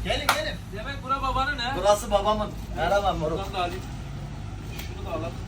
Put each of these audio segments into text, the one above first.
Gelin. Demek bura babanın he? Burası babamın. Merhaba moruk. Buradan da alayım. Şunu da alalım.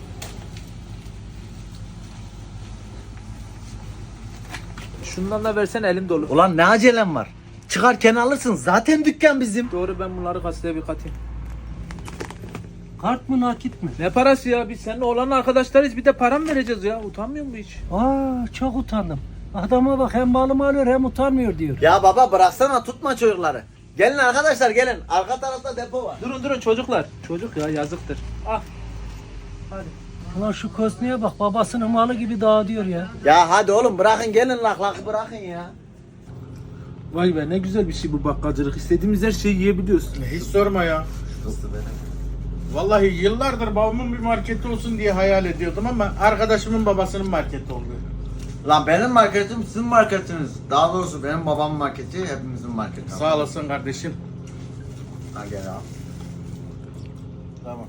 Şundan da versen elim dolu. Ulan ne acelem var? Çıkarken alırsın. Zaten dükkan bizim. Doğru, ben bunları kasaya bir katayım. Kart mı nakit mi? Ne parası ya? Biz seninle olan arkadaşlarız, bir de para mı vereceğiz ya? Utanmıyor musun hiç? Aa, çok utandım. Adama bak, hem balımı alıyor hem utanmıyor diyor. Ya baba bıraksana, tutma çocukları. Gelin arkadaşlar gelin. Arka tarafta depo var. Durun çocuklar. Çocuk ya, yazıktır. Ah. Hadi. Ulan şu Kosni'ye bak, babasının malı gibi dağıtıyor ya. Ya hadi oğlum bırakın, gelin lak bırakın ya. Vay be, ne güzel bir şey bu bakkalcılık. İstediğimiz her şeyi yiyebiliyoruz. Hiç sorma ya. Vallahi yıllardır babamın bir marketi olsun diye hayal ediyordum ama arkadaşımın babasının marketi oldu. Lan benim marketim sizin marketiniz. Daha doğrusu benim babamın marketi hepimizin marketi. Sağ olasın kardeşim. Ha gel abi. Tamam.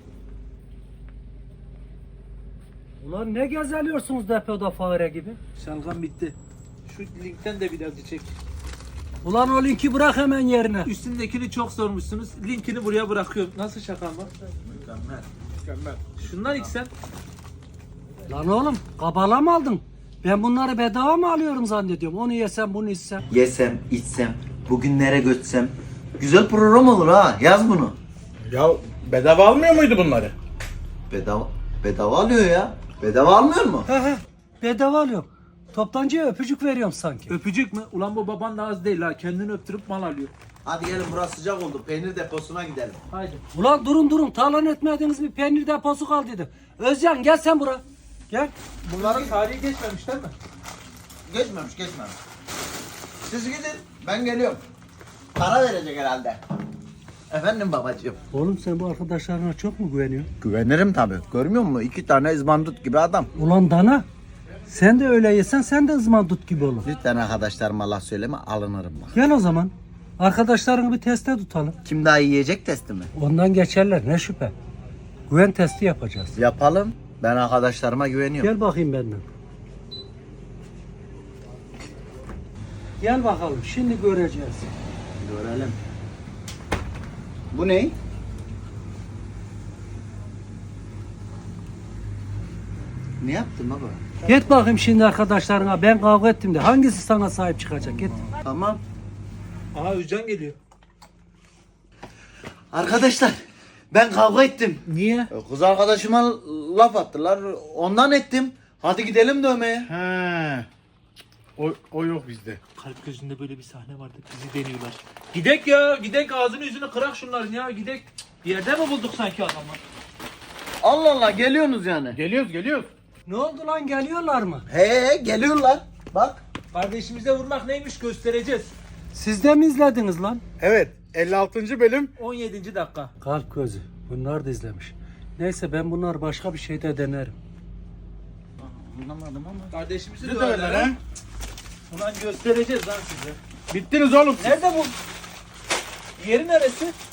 Ulan ne gezeliyorsunuz depoda fare gibi? Şalgam bitti. Şu linkten de biraz çek. Ulan o linki bırak hemen yerine. Üstündekini çok sormuşsunuz. Linkini buraya bırakıyorum. Nasıl şaka mı? Mükemmel. Şundan içsen. Lan oğlum, kabala mı aldın? Ben bunları bedava mı alıyorum zannediyorum. Onu yesem bunu içsem. Yesem, içsem, bugünlere götsem. Güzel program olur ha. Yaz bunu. Ya bedava almıyor muydu bunları? Bedava alıyor ya. Bedava almıyor mu? He, bedava alıyorum. Toptancıya öpücük veriyorum sanki. Öpücük mü? Ulan bu baban da az değil ha. Kendini öptürüp mal alıyor. Hadi gelin, burası sıcak oldu. Peynir deposuna gidelim. Haydi. Ulan durun, talan etmediğiniz bir peynir deposu kaldıydı. Özcan gel sen buraya. Gel. Bunların tarihi geçmemiş değil mi? Geçmemiş. Siz gidin, ben geliyorum. Para verecek herhalde. Efendim babacığım. Oğlum sen bu arkadaşlarına çok mu güveniyorsun? Güvenirim tabii. Görmüyor musun? 2 tane izbandut gibi adam. Ulan dana. Sen de öyle yesen sen de ızmandut gibi olur. Lütfen arkadaşlarıma laf söyleme, alınırım bak. Gel o zaman. Arkadaşlarını bir teste tutalım. Kim daha iyi yiyecek testi mi? Ondan geçerler ne şüphe. Güven testi yapacağız. Yapalım. Ben arkadaşlarıma güveniyorum. Gel bakayım benden. Gel bakalım şimdi göreceğiz. Görelim. Bu ne? Ne yaptın baba? Git bakayım şimdi arkadaşlarına, ben kavga ettim de hangisi sana sahip çıkacak, git. Tamam. Aha Özcan geliyor. Arkadaşlar, ben kavga ettim. Niye? Kız arkadaşıma laf attılar. Ondan ettim. Hadi gidelim dövmeye. He. O yok bizde. Kalp gözünde böyle bir sahne vardı. Bizi deniyorlar. Gidek ya. Gidek, ağzını yüzünü kırak şunların ya. Gidek. Bir yerde mi bulduk sanki adamı? Allah Allah, geliyorsunuz yani. Geliyoruz. Ne oldu lan, geliyorlar mı? He, geliyorlar. Bak. Kardeşimize vurmak neymiş göstereceğiz. Siz de mi izlediniz lan? Evet. 56. bölüm. 17. dakika. Kalp gözü. Bunlar da izlemiş. Neyse ben bunlar başka bir şeyde denerim. Anlamadım ama. Kardeşimizi Bizi döverler döverler ha. ha. Ulan göstereceğiz lan size. Bittiniz oğlum. Nerede bu? Yeri neresi?